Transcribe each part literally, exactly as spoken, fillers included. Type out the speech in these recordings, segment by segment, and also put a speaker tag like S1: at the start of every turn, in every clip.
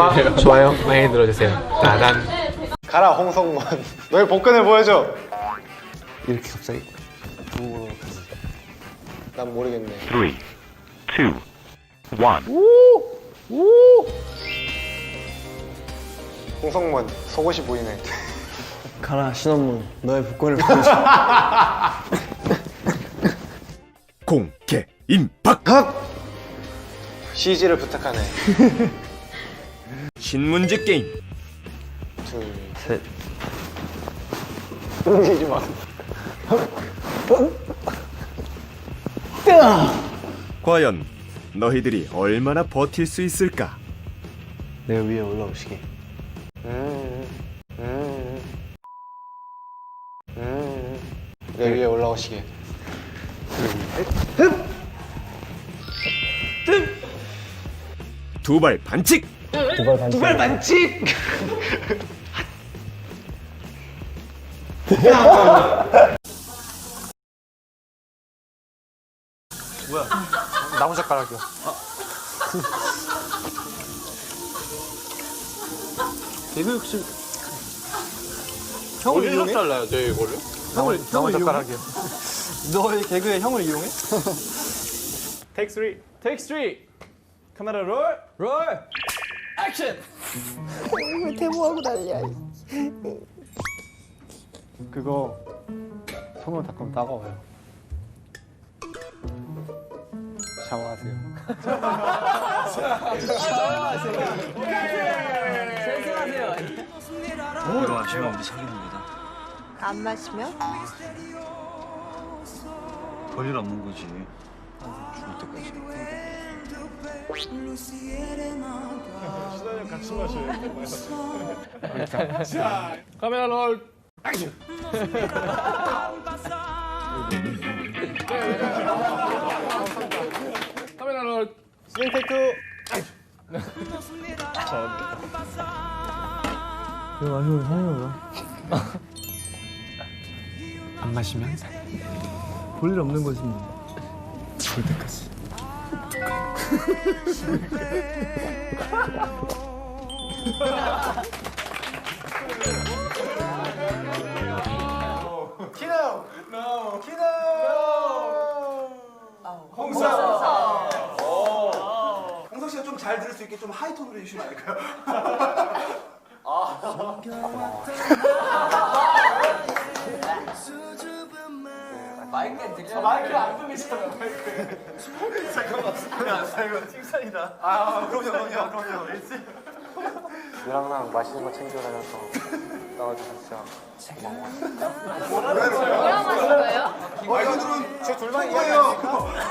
S1: 구독과 좋아요 많이 눌러주세요. 따단.
S2: 가라 홍성문. 너의 복근을 보여줘.
S3: 이렇게 갑자기?
S2: 난 모르겠네.
S4: three, two, one.
S2: 홍성문 속옷이 보이네.
S3: 가라 신원문 너의 복권을 보여줘.
S5: 공개 임박.
S2: 씨지를 부탁하네.
S5: 신문지 게임.
S2: 둘,
S3: 셋.
S2: 움직이지 마.
S5: 과연 너희들이 얼마나 버틸 수 있을까?
S3: 내 위에 올라오시게.
S2: 음, 음, 음. 내 위에 올라오시게.
S5: 두 발 반칙.
S3: 두발 반칙. 두발 반칙.
S2: 나무젓가락이요.
S3: 개그 욕심.
S1: 형을 어디서 잘라요, 저 이거를?
S3: 형을
S2: 나무젓가락이요.
S3: 너의 개그에 형을 이용해?
S1: 테이크 쓰리. 테이크 쓰리. 카메라 롤. 롤. 액션.
S3: 왜 대모하고 난리야?
S2: 그거 손으로 닦으면 따가워요. 샤워하세요.
S3: 이거 마시면 우리 사귀는거다.
S6: 안 마시면?
S3: 볼일 없는 거지. 죽을 때까지.
S1: 카메라 롤. 액션. 카메라 롤.
S2: 스윙 테이크.
S3: 이거 마시면 사귀는
S1: 안 마시면?
S3: 볼일 없는 거지 뭐. 죽을 때까지.
S2: 키노. 노. 키노. 홍성.
S7: 홍석 씨가 좀 잘 들을 수 있게 좀 하이톤으로 해주시면 안 될까요?
S3: 마이크에 들려.
S7: 마이크 안 들리잖아, 마이크. 잠깐만, 아, 이거 칭찬이다. 아, 그럼요, 그럼요, 그럼요. 일지.
S2: 누랑 나랑 맛있는 거 챙겨 다녀서 나와주셔서 진짜
S6: 뭐랑 마실 거예요?
S7: 어, 이거들은
S2: 제 둘만
S7: 거예요.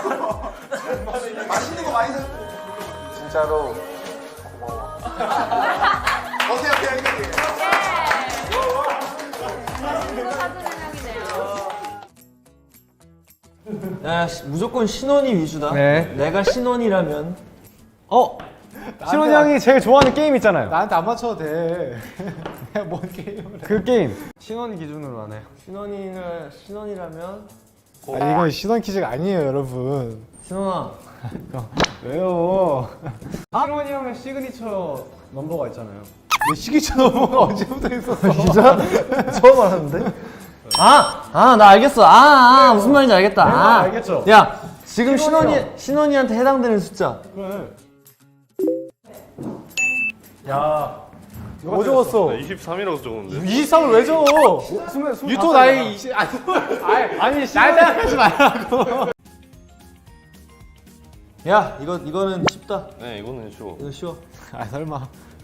S7: 맛있는 거 많이 사.
S2: 진짜로 고마워.
S7: 오케이, 오케이, 오케이.
S6: 이거 사주는 형이네요.
S3: 야 시- 무조건 신원이 위주다.
S2: 네.
S3: 내가 신원이라면.
S2: 어? 신원이 형이 제일 좋아하는 게임 있잖아요. 나한테 안 맞춰도 돼. 내가 뭔 게임을 해. 그 게임. 신원 기준으로 하네.
S3: 신원이를 신원이라면.
S2: 아니 이건 신원 퀴즈가 아니에요 여러분.
S3: 신원아.
S2: 왜요? 신원이 형의 시그니처 넘버가 있잖아요. 내 시그니처 넘버가 언제부터 있었어? 진짜?
S3: 처음 알았는데? 아! 아, 나 알겠어. 아, 아 무슨 말인지 알겠다.
S2: 네,
S3: 아,
S2: 알겠죠?
S3: 야, 지금 신원이,
S2: 신원이요.
S3: 신원이한테 해당되는 숫자.
S2: 그래. 야. 뭐 적었어?
S1: 이십삼이라고 적었는데.
S2: 이십삼을 왜 적어? 유토 나이 이십 아니 아니, 아니 날 생각하지 말라고.
S3: 야, 이거, 이거는 쉽다.
S1: 네, 이거는 쉬워.
S3: 이거 쉬워.
S2: 아 설마.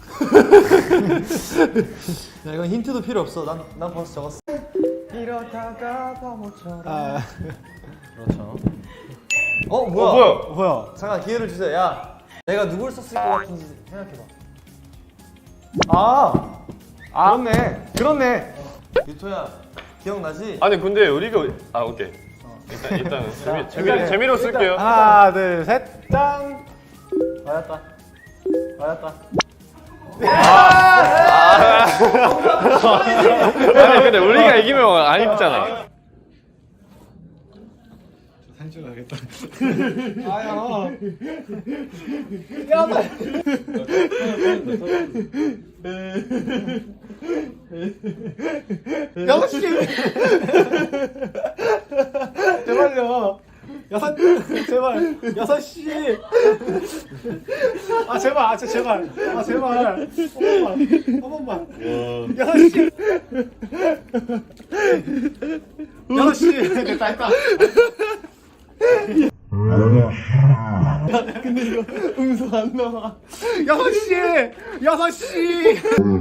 S3: 야, 이건 힌트도 필요 없어. 난, 난 벌써 적었어.
S2: 이러다가 바보처럼. 아.
S3: 그렇죠. 어, 뭐야?
S2: 어, 뭐야? 뭐야?
S3: 잠깐 기회를 주세요. 야, 내가 누굴 썼을 것 같은지 생각해봐.
S2: 아. 아. 그렇네. 그렇네.
S3: 유토야, 기억나지?
S1: 아니 근데 우리가 아 오케이. 일단 일단 재미 재미
S2: 일단은-
S1: 재미로 쓸게요.
S2: 하나, 둘, 셋, 짠.
S3: 맞았다. 맞았다.
S1: 아니 근데 우리가 이기면 안 입잖아.
S2: 여섯 시 제발요. 여섯 제발 여섯 시. 아 제발 아 진짜 제발 아 제발 한 번만 한 번만. 여섯 시 여섯 시 됐다 했다. 근데 이거 음소 안 나와. 여섯 시 여섯 시.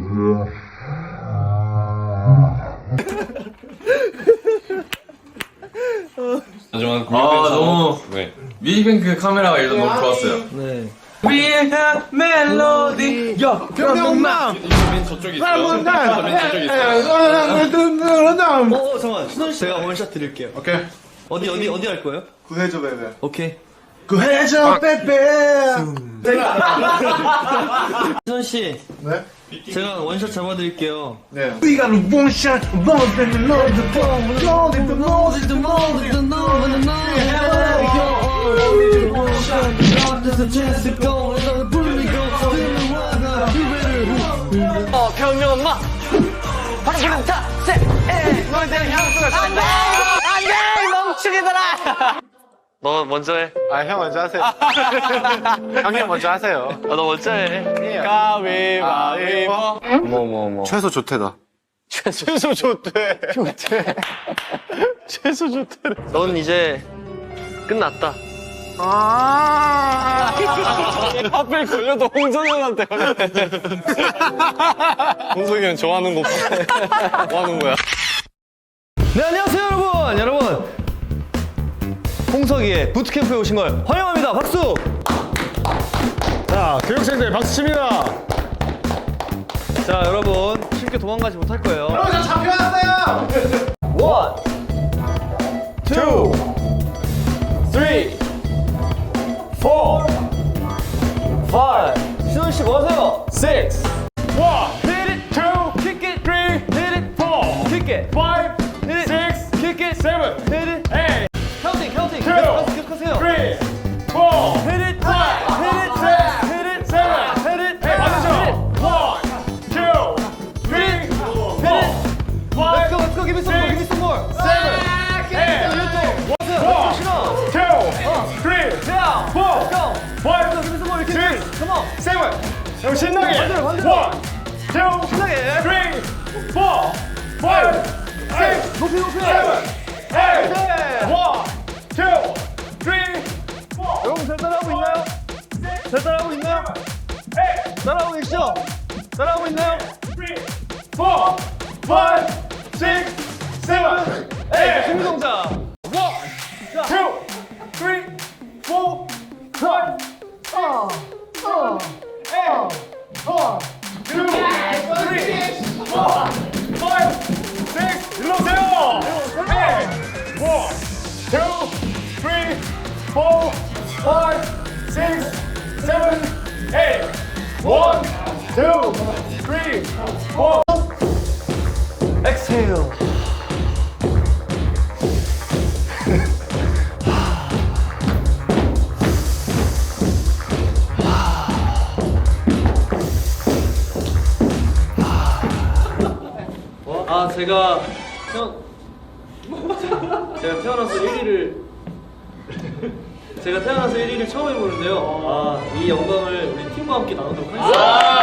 S1: 하지만
S3: 아, 너무
S1: 네. 위뱅크 카메라가 일단 너무 좋았어요.
S3: 네.
S1: We have melody.
S2: 야 병명남.
S1: 맨 저쪽에 있어요. 맨 저쪽에 있어요.
S3: 어 잠깐 신원 씨 제가 원샷 드릴게요.
S7: 오케이.
S3: 어디 어디 어디 할 거예요?
S7: 구해줘 베베.
S3: 오케이.
S7: 구해줘 베베.
S3: 신원 씨
S7: 네?
S3: 제가 원샷 잡아드릴게요.
S7: 네.
S2: We got a one shot, one thing to know the phone, know the know the know the know the
S3: 어 병력 엄마. 방금 타세. 너희들 향수가 안돼 안돼 멍충이들아. 너 먼저 해.
S2: 아, 형 먼저 하세요. 형님 먼저 하세요.
S3: 아, 너 먼저 해.
S2: 가위바위보.
S3: 뭐 뭐 뭐.
S2: 최소 좋대다. 최소 좋대. 좋대. 최소 좋대.
S3: 넌 이제 끝났다.
S2: 아.
S3: 하필 걸려도 홍성이 형한테 걸렸네.
S1: 홍석이 형 좋아하는 거 뭐 하는 거야?
S3: 네, 안녕하세요, 여러분. 여러분. 홍석이의 부트캠프에 오신 걸 환영합니다. 박수!
S2: 자, 교육생들 박수 칩니다.
S3: 자, 여러분. 쉽게 도망가지 못할 거예요.
S2: 여러분, 저 잡혀왔어요.
S3: 원,
S2: 투, 쓰리, 포, 파이브,
S3: 신원 씨 뭐 하세요?
S2: 식스, 원,
S3: Hit it,
S2: 투,
S3: kick it,
S2: 쓰리,
S3: hit it,
S2: 포,
S3: kick it,
S2: 파이브,
S3: hit it,
S2: 식스,
S3: kick it,
S2: 세븐,
S3: hit it,
S2: 에잇,
S3: 카운팅, 카운팅.
S2: two,
S3: 계속 기억하세요.
S2: 쓰리, 포,
S3: Hit it,
S2: 파이브,
S3: hit it,
S2: 식스,
S3: hit it,
S2: 세븐,
S3: hit it,
S2: 에잇, 맞으죠? 원, 투, 쓰리, 포,
S3: Let's go,
S2: 파이브,
S3: let's go. Give me some more, give me some more.
S2: 세븐, 에잇,
S3: 원, 신원.
S2: 투, 쓰리,
S3: down,
S2: 포,
S3: go.
S2: 파이브,
S3: Give me some more, you can do
S2: six,
S3: it. Come on.
S2: 세븐. 형 신나게.
S3: 반대로, 반대로.
S2: 원, 투,
S3: 신나게.
S2: 쓰리, 포, 파이브, 식스,
S3: 높이, 높이.
S2: 세븐, 에잇,
S3: 오케이.
S2: 원, 투, 쓰리, 포,
S3: 여러분 잘 따라하고 있나요? 잘 따라하고 있나요?
S2: 에잇,
S3: 따라하고 계시죠? 따라하고 있나요?
S2: 쓰리, 포, 파이브, 식스, 세븐, 에잇,
S3: 준비 동작.
S2: 투, 쓰리, 포, 파이브, 어, 어, 에잇, 원, 투, 쓰리, 포, 파이브, 식스, 일어나세요. 에잇, 원, 투, 쓰리, 포, 파이브, 식스, 세븐, 에잇, 원, 투, 쓰리, 포.
S3: Exhale. 아 제가 태어 제가 태어나서 일 위를 제가 태어나서 일 위를 처음 해보는데요. 아 이 영광을 우리 팀과 함께 나누도록 하겠습니다.